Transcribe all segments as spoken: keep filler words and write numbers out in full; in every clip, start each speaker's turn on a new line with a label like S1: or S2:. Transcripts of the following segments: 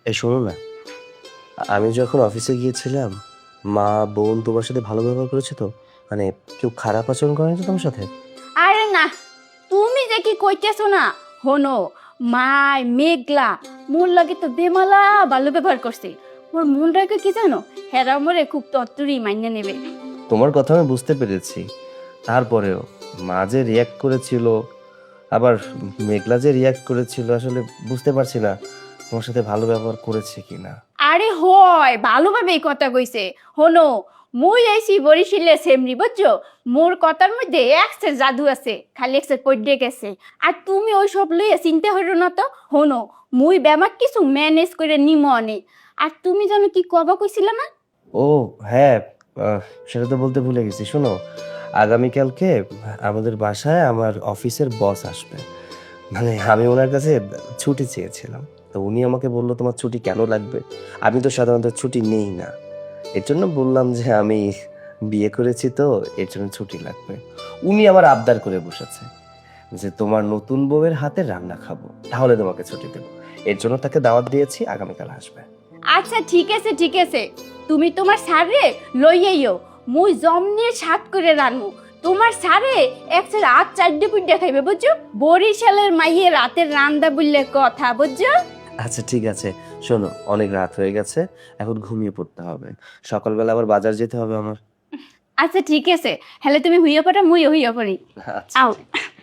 S1: এই শোনো না, আমি যখন অফিসে গিয়েছিলাম, মা বোন তোমার সাথে ভালো ব্যবহার করেছে তো? মানে কেউ খারাপ আচরণ করেনি তো তোমার সাথে?
S2: আরে না, তুমি যে কি কইতেছো না, হনো মাই মেঘলা মোর লাগে তো বেমালা ভালো ব্যবহার করছে। মোর মন রাখে কি জানো, হেরা মোরে খুব তত্তরি মাইনে নেবে।
S1: তোমার কথা আমি বুঝতে পেরেছি, তারপরেও মা যে রিয়াক্ট করেছিল, আবার মেঘলা যে রিয়াক্ট করেছিল, আসলে বুঝতে পারছি না তোমার সাথে ভালো ব্যবহার করেছে কিনা।
S2: আরে হয় ভালোভাবে এই কথা কইছে। হনো, মুই আইছি বরিশিলে সেমরি বুঝছো, মোর কথার মধ্যে একসের জাদু আছে, খালি একসের পড়ে গেছে। আর তুমি ওই সব লইয়া চিন্তা হইরো না তো। হনো, মুই ব্যামাক কিছু ম্যানেজ করে নিমো অনেক। আর তুমি জানো কি কবা কইছিল না?
S1: ও হ্যাঁ, আহ, সেটা তো বলতে ভুলে গেছি। শোনো, আগামীকালকে আমাদের বাসায় আমার অফিসের বস আসবে। মানে আমি ওনার কাছে ছুটি চেয়েছিলাম, তো উনি আমাকে বললো তোমার ছুটি কেন লাগবে। আমি তো সাধারণত ছুটি নেই না, এর জন্য বললাম যে আমি বিয়ে করেছি তো এর জন্য ছুটি লাগবে। উনি আবার আবদার করে বসেছে যে তোমার নতুন বউয়ের হাতে রান্না খাবো, তাহলে তোমাকে ছুটি দেবো। এর জন্য তাকে দাওয়াত দিয়েছি, আগামীকাল আসবে।
S2: আচ্ছা ঠিক আছে ঠিক আছে, তুমি তোমার সারে লইয়াইও, মুই জমনে সাত করে রানমু। তোমার সারে একসের রাত চারটে পুড্ডা খাইবে বুঝছো, বরিশালের মাইয়ে রাতের রান্দা বললে কথা বুঝছো।
S1: আচ্ছা ঠিক আছে, শোনো অনেক রাত হয়ে গেছে, এখন ঘুমিয়ে পড়তে হবে, সকালবেলা আবার বাজার যেতে হবে আমার।
S2: আচ্ছা ঠিক আছে, হলে তুমি হইয়া পড়া মুইও হইয়া পড়ি।
S1: আচ্ছা।
S2: আও।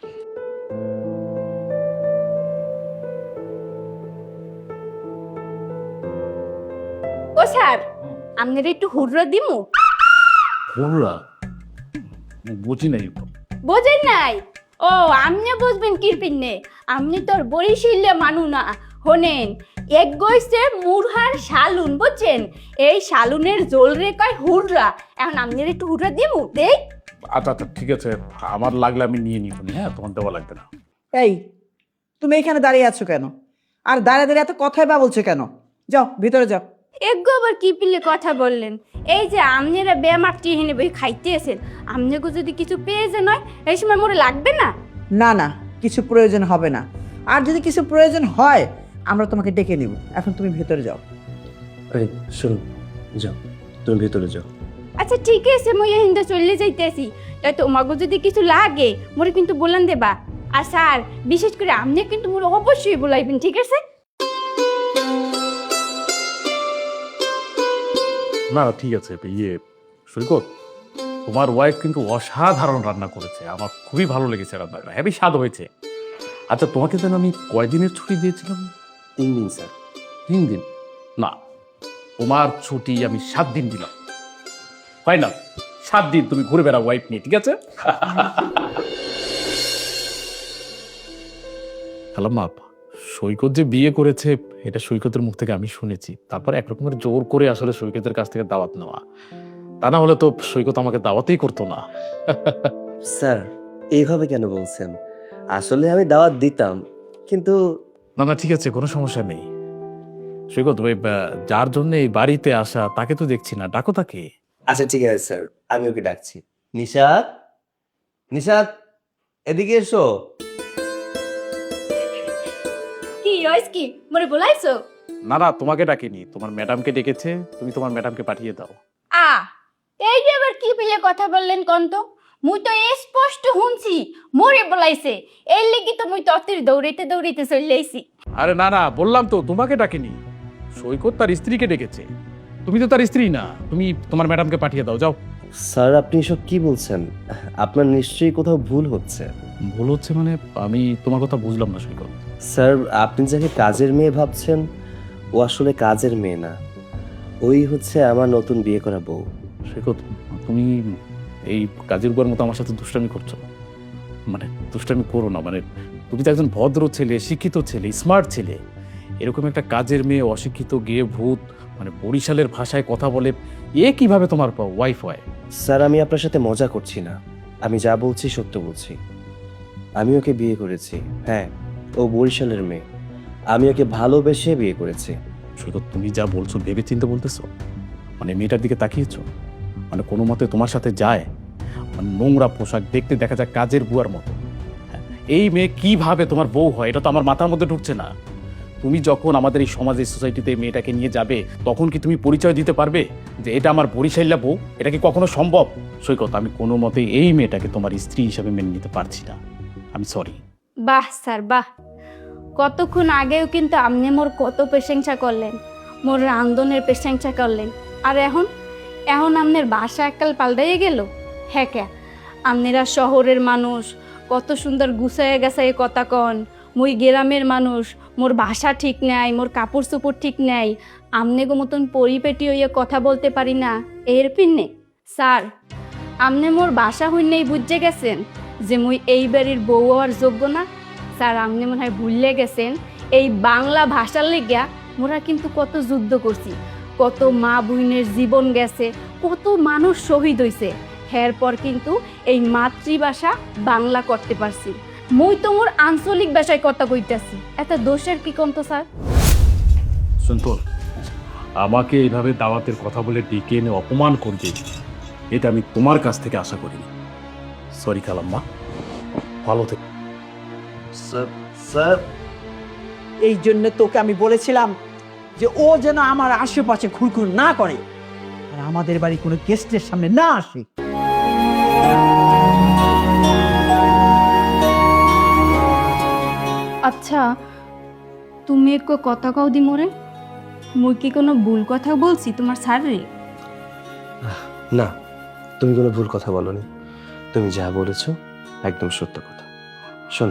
S2: ও স্যার, আপনার একটু হুররা দিমু।
S3: বললা বুঝি নাই।
S2: বোঝেন নাই? ও আমনে বুঝবেন কিরপিনে, আমনি তোর বরিশিলে মানু না। হনেন, এক গইছে মুরহার শালুন বুঝছেন, এই শালুনের জোল রে কয় হুররা। এখন আমনের একটু হুররা দিমু দেই।
S3: আচ্ছা আচ্ছা ঠিক আছে, আমার লাগলে আমি নিয়ে নিব। হ্যাঁ, তোমার দেওয়া লাগবে না।
S4: এই, তুমি এখানে দাঁড়িয়ে আছো কেন? আর দাঁড়িয়ে দাঁড়িয়ে এত কথাই বা বলছো কেন? যাও ভিতরে যাও।
S2: এক আবার কি পিলে কথা বললেন? এই যে আমনেরা বেমাকটি হেনে বই খাইতেছেন, আমনেগো যদি কিছু পেয়ে যে নয় এই সময় মোরে লাগবে না।
S4: না না, কিছু প্রয়োজন হবে না। আর যদি কিছু প্রয়োজন হয় আমরা তোমাকে ডেকে নিব। এখন তুমি ভিতরে যাও।
S1: এই শোনো, যাও তুমি ভেতরে যাও।
S2: আচ্ছা ঠিক আছে, মই হিন্দা চলে যাইতেছি। তাই তোমাকে যদি কিছু লাগে মোরে কিন্তু বলেন দেবা। আর স্যার, বিশেষ করে আপনি কিন্তু মোরে অবশ্যই বলাইবেন, ঠিক আছে?
S3: না ঠিক আছে। ইয়ে সৈকত, তোমার ওয়াইফ কিন্তু অসাধারণ রান্না করেছে, আমার খুবই ভালো লেগেছে রান্নাটা, হেভি স্বাদ হয়েছে। আচ্ছা তোমাকে যেন আমি কয়দিনের ছুটি দিয়েছিলাম?
S1: তিন দিন স্যার।
S3: তিন দিন? না, তোমার ছুটি আমি সাত দিন দিলাম। ফাইনাল সাত দিন তুমি ঘুরে বেড়াও ওয়াইফ নিয়ে, ঠিক আছে? হ্যালো মা, সৈকত যে বিয়ে করেছে এটা সৈকতের মুখ থেকে আমি শুনেছি, তারপর একরকমের জোর করে আসলে সৈকতের কাছ থেকে দাওয়াত নেওয়া। তা না হলে তো সৈকত আমাকে দাওয়াতই করতো না।
S1: স্যার এইভাবে কেন বলছেন? আসলে আমি দাওয়াত দিতাম, কিন্তু
S3: না না ঠিক আছে, কোনো সমস্যা নেই। সৈকত ওই আহ, যার জন্য এই বাড়িতে আসা তাকে তো দেখছি না, ডাকো তাকে।
S1: আচ্ছা ঠিক আছে স্যার, আমি ওকে ডাকছি। নিশাত, নিশাত এদিকে এসো।
S2: কি রইস কি মোরে বলাইছো?
S3: না না, তোমাকে ডাকিনি, তোমার ম্যাডামকে ডেকেছে, তুমি তোমার ম্যাডামকে পাঠিয়ে দাও।
S2: আ এই যে আবার কি পিলে কথা বললেন কোন তো? মুই তো স্পষ্ট শুনছি মোরে বলাইছে, এর লাগি তো মুই তত্ত্বের দৌড়াইতে দৌড়াইতে চলে আইছি।
S3: আরে না না, বললাম তো তোমাকে ডাকিনি, সৈকত তার স্ত্রীকে ডেকেছে। তুমি তো তার স্ত্রী না, তুমি তোমার ম্যাডামকে পাঠিয়ে দাও, যাও।
S1: স্যার আপনি এসব কি বলছেন? আপনার নিশ্চয়ই কোথাও ভুল হচ্ছে।
S3: ভুল হচ্ছে মানে? আমি তোমার কথা বুঝলাম না সৈকত।
S1: স্যার আপনি যাকে কাজের মেয়ে ভাবছেন ও আসলে কাজের মেয়ে না, ওই হচ্ছে আমার নতুন বিয়ে করা বউ।
S3: সৈকত, তুমি এই কাজের উপর মতো আমার সাথে দুষ্টামি করছো। মানে দুষ্টামি করো না, মানে তুমি তো একজন ভদ্র ছেলে, শিক্ষিত ছেলে, স্মার্ট ছেলে, এরকম একটা কাজের মেয়ে অশিক্ষিত গিয়ে ভূত, মানে বরিশালের ভাষায় কথা বলে, এ কিভাবে তোমার ওয়াইফ হয়?
S1: স্যার আমি আপনার সাথে মজা করছি না, আমি যা বলছি সত্য বলছি। আমি ওকে বিয়ে করেছি, হ্যাঁ ও বরিশালের মেয়ে, আমি ওকে ভালোবেসে বিয়ে করেছি।
S3: সৈকত, তুমি যা বলছো ভেবে চিন্তে বলতেছো? মানে মেয়েটার দিকে তাকিয়েছো, মানে কোনো মতে তোমার সাথে যায়, মানে নোংরা পোশাক, দেখতে দেখা যায় কাজের বুয়ার মতো। হ্যাঁ, এই মেয়ে কিভাবে তোমার বউ হয় এটা তো আমার মাথার মধ্যে ঢুকছে না। তুমি যখন আমাদের এই সমাজের সোসাইটিতে মেয়েটাকে নিয়ে যাবে তখন কি তুমি পরিচয় দিতে পারবে যে এটা আমার বরিশাইলা বউ? এটা কি কখনো সম্ভব? সৈকত, আমি কোনো মতে এই মেয়েটাকে তোমার স্ত্রী হিসাবে মেনে নিতে পারছি না। আমি সরি।
S2: বাহ স্যার বাহ, কতক্ষণ আগেও কিন্তু আপনি মোর কত প্রশংসা করলেন, মোর রান্ধনের প্রশংসা করলেন, আর এখন এখন আপনার বাসা এককাল পাল্টাইয়ে গেল। হ্যাঁ কে আপনারা শহরের মানুষ, কত সুন্দর গুছাইয়ে গেছাই কথা কন, মুই গ্রামের মানুষ, মোর ভাষা ঠিক নাই, মোর কাপড় চোপড় ঠিক নাই, আমনে গো মতন পরিপেটি হইয়া কথা বলতে পারি না এর পিন্নে। স্যার, আমনে মোর ভাষা হইনেই বুঝে গেছেন যে মুই এই বাড়ির বউ হওয়ার যোগ্য না। স্যার, আপনি মনে হয় ভুলে গেছেন এই বাংলা ভাষার লেগিয়া মোরা কিন্তু কত যুদ্ধ করছি, কত মা বোনের জীবন গেছে, কত মানুষ শহীদ হইছে, এরপর কিন্তু এই মাতৃভাষা বাংলা করতে পারছি। মুই তো মোর আঞ্চলিক ভাষায় কথা কইতাছি, এত দোষের কি কন্ত স্যার?
S3: শুনতো, আমাকে এইভাবে দাওয়াতের কথা বলে ডেকে এনে অপমান করবে, এটা আমি তোমার কাছ থেকে আশা করিনি। সরি খালাম্মা, ভালো থেকে।
S1: স্যার স্যার
S4: এই জন্য তোকে আমি বলেছিলাম যে ও যেন আমার আশেপাশে ঘুরঘুর না করে আর আমাদের বাড়ি কোনো গেস্টের সামনে না আসে।
S2: আচ্ছা, তুমি একটু কথা কও দি মোরে, মুই কি কোনো ভুল কথা বলছি তোমার স্যার রে?
S1: না, তুমি কোনো ভুল কথা বলনি। তুমি যা বলেছো একদম সত্য কথা। শোনো,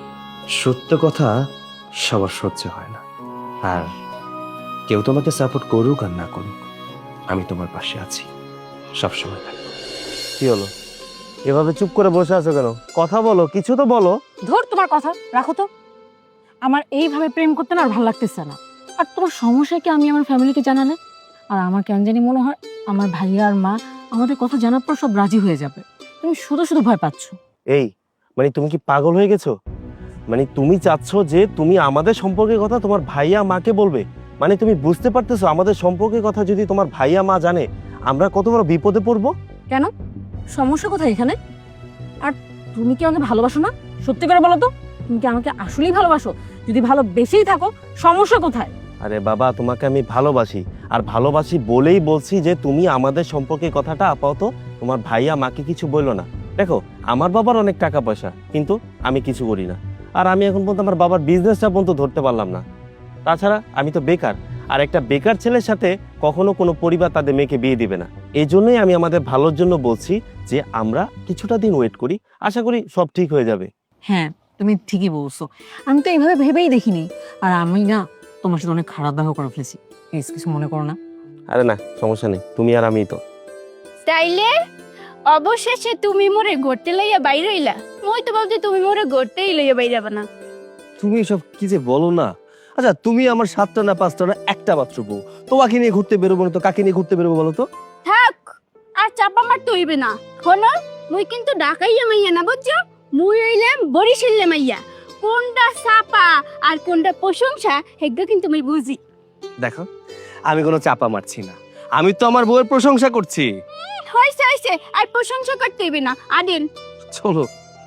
S1: সত্য কথা সবার সহ্য হয় না, আর কেউ তোমাকে সাপোর্ট করুক আর না করুক, আমি তোমার পাশে আছি, সবসময় থাকবো। কি হলো, এভাবে চুপ করে বসে আছো কেন? কথা বলো, কিছু তো বলো।
S5: ধর তোমার কথা রাখো তো। আমার এইভাবে প্রেম করতে না আর ভালো লাগতেছে না। আর তোমার সমস্যা কি আমি আমার ফ্যামিলিকে জানালে? আর আমার কেন জানি মনে হয় আমার ভাইয়া আর মা আমাদের কথা জানার পর সব রাজি হয়ে যাবে। তুমি শুধু শুধু ভয় পাচ্ছ।
S1: এই মানে তুমি কি পাগল হয়ে গেছো? মানে তুমি চাচ্ছ যে তুমি আমাদের সম্পর্কের কথা তোমার ভাইয়া মাকে বলবে? মানে তুমি বুঝতে পারতেছো আমাদের সম্পর্কের কথা যদি তোমার ভাইয়া মা জানে আমরা কত বড় বিপদে পড়বো?
S5: কেন, সমস্যা কোথায় এখানে? আর তুমি কি আমাকে ভালোবাসো না? সত্যি করে বলো তো, তুমি কি আমাকে আসলেই ভালোবাসো? যদি ভালোবেসেই থাকো, সমস্যা কোথায়?
S1: আরে বাবা, তোমাকে আমি ভালোবাসি, আর ভালোবাসি বলেই বলছি যে তুমি আমাদের সম্পর্কের কথাটা আপাতত তোমার ভাইয়া মাকে কিছু বললো না। দেখো, আমার বাবার অনেক টাকা পয়সা, কিন্তু আমি কিছু করি না, আর আমি এখন পর্যন্ত আমার বাবার বিজনেসটা পর্যন্ত ধরতে পারলাম না। তাছাড়া আমি তো বেকার, আর একটা বেকার ছেলের সাথে কখনো কোনো পরিবার তাদের মেয়েকে বিয়ে দিবে না। এই জন্যই আমি আমাদের ভালোর জন্য বলছি যে আমরা কিছুটা দিন ওয়েট করি, আশা করি সব ঠিক হয়ে যাবে।
S5: হ্যাঁ, তুমি ঠিকই বলছো। আমি তো এইভাবে ভেবেই দেখিনি। আর আমি না তোমার সাথে অনেক খারাপ ব্যবহার করে ফেলেছি, প্লিজ কিছু মনে করো না।
S1: আরে না, সমস্যা নেই, তুমি আর আমি তো।
S2: তাইলে অবশেষে তুমি মোরে ঘুরতে লইয়া বাইরে হইলা? মই তো বলতে তুমি মোরে ঘুরতেই লইয়া বাইরে যাবা না।
S1: তুমি সব কি যে বলো না। আচ্ছা, তুমি আমার সাতটা না পাঁচটা না একটা মাত্র বউ, তোমাকে নিয়ে ঘুরতে বেরোবো না তো কাকে নিয়ে ঘুরতে বেরোবো বলো তো?
S2: থাক, আর চাপা মারতে হইবে না। হনো, মুই কিন্তু ডাকাইয়া মাইয়া না, বুঝছো? মুই হইলাম বরিশালে মাইয়া। কোনটা চাপা আর কোনটা প্রশংসা হেগো কিন্তু মুই বুঝি।
S1: দেখো, আমি কোনো চাপা মারছি না, আমি তো আমার বউয়ের প্রশংসা করছি।
S2: হইছে হইছে, আর প্রশংসা করতে হইবে না। আদিন
S1: চলো।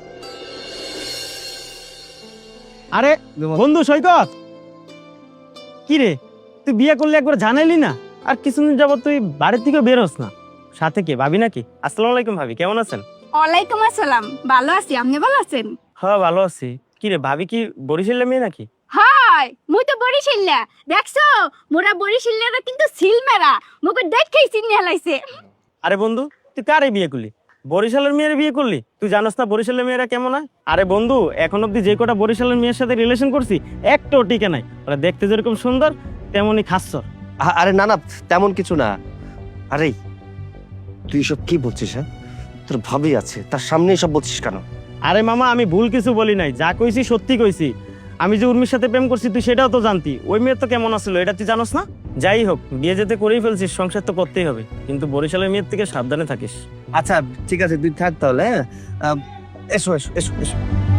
S6: আরে বন্ধু সৈকত, কি রে তুই বিয়ে করলে একবার জানাইলি না? আর কিছুদিন যাবত তুই বাড়ির থেকে বের হস না, সাথে কে ভাবি নাকি? আসসালামু আলাইকুম ভাবি, কেমন আছেন?
S2: ওয়ালাইকুম আসসালাম, ভালো আছি, আপনি ভালো আছেন?
S6: হ্যাঁ ভালো আছি। কি রে ভাবি কি বরিশালের মেয়ে নাকি?
S2: হাই, মুই তো বরিশাল্লা, দেখছো? মোরা বরিশাল্লারা কিন্তু সিল মেরা, মুকে দেখেই চিনি হেলাইছে।
S6: আরে বন্ধু, তুই কারে বিয়ে করলি? বরিশালের মেয়ের বিয়ে করলি? তুই জানোস না বরিশালের মেয়েরা কেমন হয়? আরে বন্ধু, এখন অব্দি যে কটা বরিশালের মেয়ের সাথে রিলেশন করছি একটাও টিকে নাই। ওরা দেখতে যেরকম সুন্দর তেমনই খাচ্ছর।
S1: আ- আরে না না, তেমন কিছু না। আরে তুই সব কি বলছিস? হ্যাঁ, তোর ভাবি আছে, তার সামনে সব বলছিস কেন?
S6: আরে মামা, আমি ভুল কিছু বলি নাই, যা কইছি সত্যি কইছি। আমি যে উর্মির সাথে প্রেম করছি তুই সেটাও তো জানতি। ওই মেয়ে তো কেমন আসলো এটা তুই জানোস না? যাই হোক, বিয়ে যেতে করেই ফেলছিস, সংসার তো করতেই হবে, কিন্তু বরিশালের মেয়ের থেকে সাবধানে থাকিস।
S1: আচ্ছা ঠিক আছে, তুই থাক তাহলে। হ্যাঁ, আম, এসো এসো এসো এসো।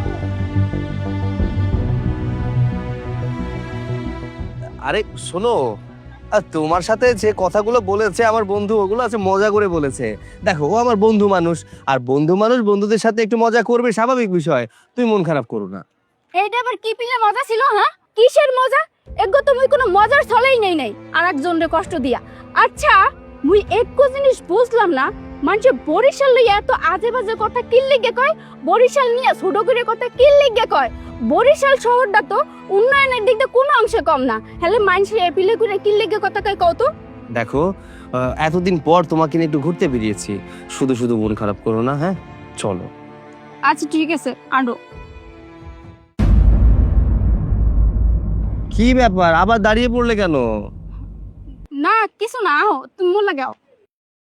S1: আরে শোনো, আর তোমার সাথে যে কথাগুলো বলেছে আমার বন্ধু, ওগুলো আছে মজা করে বলেছে। দেখো, ও আমার বন্ধু মানুষ, আর বন্ধু মানুষ বন্ধুদের সাথে একটু মজা করবে, স্বাভাবিক বিষয়। তুই মন খারাপ করো না।
S2: এইটা আবার কি পিলে মজা ছিল? হ্যাঁ, কিসের মজা? এগো তো মুই কোনো মজার ছলেই নেই নাই আর একজনের কষ্ট দিয়া। আচ্ছা মুই একো জিনিস বুঝলাম না, মানুষে বরিশাল লইয়া এত আজে বাজে কথা কি লিগে কয়? বরিশাল নিয়ে ছোট করে কথা কি লিগে কয়? বরিশাল শহরটা তো উন্নয়নের দিক দিয়ে কোনো অংশে কম না, হলে মানুষের এপিলে করে কি লিগে কথা কয় কও তো?
S1: দেখো আহ, এতদিন পর তোমাকে নিয়ে একটু ঘুরতে বেরিয়েছি, শুধু শুধু মন খারাপ করো না, হ্যাঁ চলো।
S2: আচ্ছা ঠিক আছে আনো।
S1: কি ব্যাপার, আবার দাঁড়িয়ে পড়লে কেন?
S2: না কিছু না, আহো তুমি মোর লাগাও।